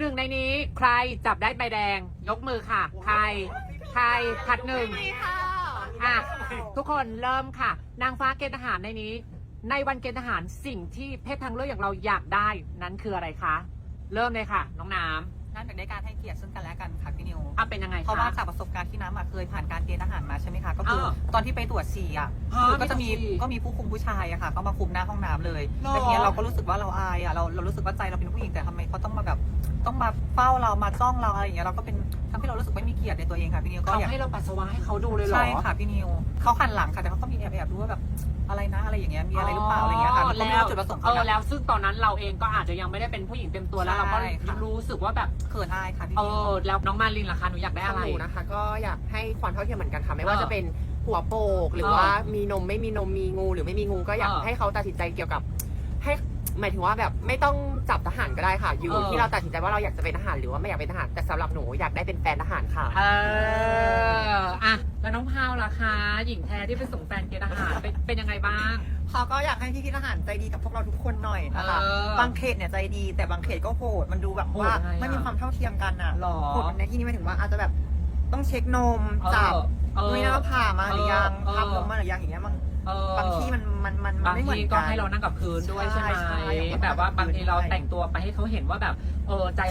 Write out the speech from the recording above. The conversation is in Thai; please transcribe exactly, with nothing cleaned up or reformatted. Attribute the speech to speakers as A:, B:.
A: หนึ่งในนี้ใครจับได้ใบแดงยกมือค่ะ ใครใครผัดหนึ่งอ่ะทุกคนเริ่มค่ะ นางฟ้าเกณฑ์ทหารในนี้ ในวันเกณฑ์ทหารสิ่งที่เพศทางเลือกอย่างเราอยากได้นั้นคืออะไรคะ เริ่มเลยค่ะ น้องน้ำ
B: นั่นเป็นในการให้เกียรติซึ่งกันและกันค่ะพี่นิว
A: อ่ะเป็นยังไงคะ
B: เพราะว่าจากประสบการณ์ที่น้ำอะเคยผ่านการเกณฑ์ทหารมาใช่ไหมคะก็คือ
A: เออ
B: ตอนที่ไปตรวจฉี่อ่ะ
A: ฮะ
B: คือก็จะมี
A: มีตรวจฉี่
B: ก็มีผู้คุมผู้ชายอะค่ะเขามาคุมหน้าห้องน้ำเลย
A: หรอ
B: แล้วทีเนี้ยเราก็รู้สึกว่าเราอายอะเราเรารู้สึกว่าใจเราเป็นผู้หญิงแต่ทำไมเขาต้องมาแบบต้องมาเฝ้าเรามาจ้องเราอะไรอย่างเงี้ยเราก็เป็นทำให้เรารู้สึกไม่มีเกียรติในตัวเองค่ะพี่นิวก็
A: เขา
B: อยาก
A: ให้เราปัสสาวะให้เขาดูเลยเหรอ
B: ใช่ค่ะพี่นิวเขาหันหลังค่ะแต่เขาก็มีแอบแอบดูว่าแบบอะไรนะอะไรอย่างเงี้ยมีอะไรหรือเปล่าอะไรอย่างเงี้ยค่ะมันก็ไม่รู้จุดประสงค์
A: เอ
B: เขา
A: อ
B: นะ
A: แล้วซึ่งตอนนั้นเราเองก็อาจจะยังไม่ได้เป็นผู้หญิงเต็มตัวแล้วเราก็
B: ใช่ค่ะ
A: รู้สึกว่าแบบ
B: เขินอายค่ะพี่
A: เอ
B: นิว
A: อแล้วน้องมารินล่ะคะหนูอยากได้อะไร
C: หนูนะคะก็อยากให้ความเท่าเทียมเหมือนกันค่ะไม่ว่า
A: เออ
C: จะเป็นหัวโปกหรือ
A: เออ
C: ว่ามีนมไม่มีนมมีงูหรือไม่มีงูก็อยาก
A: เออ
C: ให้เขาตัดสินใจเกี่ยวกับให้หมายถึงว่าแบบไม่ต้องจับทหารก็ได้ค่ะ อยู่
A: เออ
C: ที่เราตัดสินใจว่าเราอยากจะเป็นทหารหรือว่าไม่อยากเป็นทหารแต่สำหรับหนูอยากได้เป็นแฟนทหารค่ะ
A: เอออ่ะแล้วน้องพาวล่ะคะหญิงแท้ที่ไปส่งแฟนเกณฑ์ทหารเป็นเป็นยังไงบ้าง
D: เขาก็อยากให้พี่พี่ทหารใจดีกับพวกเราทุกคนหน่อยนะคะ
A: เออ
D: บางเขตเนี่ยใจดีแต่บางเขตก็โหดมันดูแบบว่า
A: โหดยังไงอะ
D: ไม่มีความเท่าเทียมกันอ่ะ
A: หรอ
D: โหดในที่นี้หมายถึงว่าอาจจะแบบต้องเช็คนม
A: เออ
D: จับ
A: เออ
D: นุ้ยน้าผ่ามาหรือยัง
A: เออ
D: ทำลงมาหรือยังอย่างเงี้ยบาง
A: เออบ
D: างที่มันมันมันมัน
A: บาง
D: ไม่เหมือน
A: ที
D: กัน
A: ก็ให้เรานั่งกับพื้นด้วยใช่ไหม
D: ใช่ใช่
A: แบบว่าบางทีเราแต่งตัวไปให้เขาเห็นว่าแบบเออใจ